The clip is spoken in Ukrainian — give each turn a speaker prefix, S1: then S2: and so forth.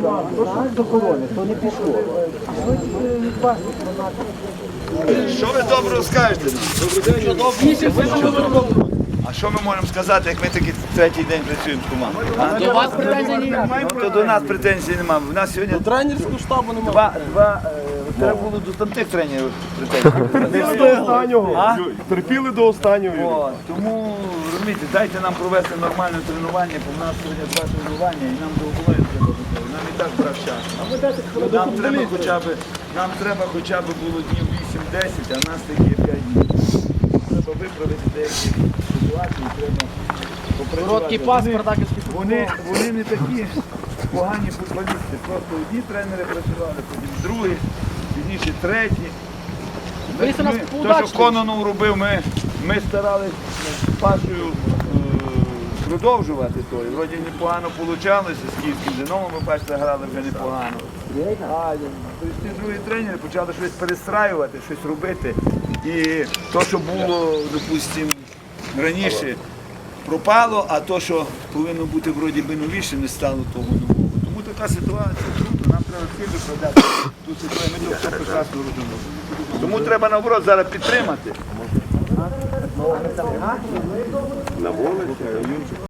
S1: до корони, то не пішло.
S2: Що ви добре скажете? А що ми можемо сказати, як ми такий третій день працюємо з командою?
S3: До вас претензій немає.
S2: Ну, то до нас претензій немає. У нас сьогодні
S4: Тренерського штабу немає.
S2: треба було до там тих тренерів претензій.
S4: Терпіли до останнього. Терпіли до останнього.
S2: О, тому, розумієте, дайте нам провести нормальне тренування, бо в нас сьогодні 2 тренування і нам до обоє треба бути. Нам і так брав час. Нам треба хоча б було днів 8-10, а в нас такі 5 днів. Треба виправити деякі ситуації, треба попрацювати.
S3: Короткий пас, спартаківський футбол.
S2: Вони не такі погані футболісти. Просто одні тренери працювали, потім другі, пізніше треті.
S3: Вийшли нас
S2: То,
S3: удачно.
S2: що Кононов робив, ми старалися з Пашою продовжувати то. І вроді непогано вийшло, з київським Динамо ми, бачите, грали вже непогано. А ті другі тренери почали щось перестраювати, щось робити. І то, що було, допустимо, раніше, пропало, а то, що повинно бути вроді би новіше, не стало того нового. Тому така ситуація круто, нам треба всі виправляти ту ситуацію, ми то все прекрасно розуміємо. Тому треба наоборот зараз підтримати.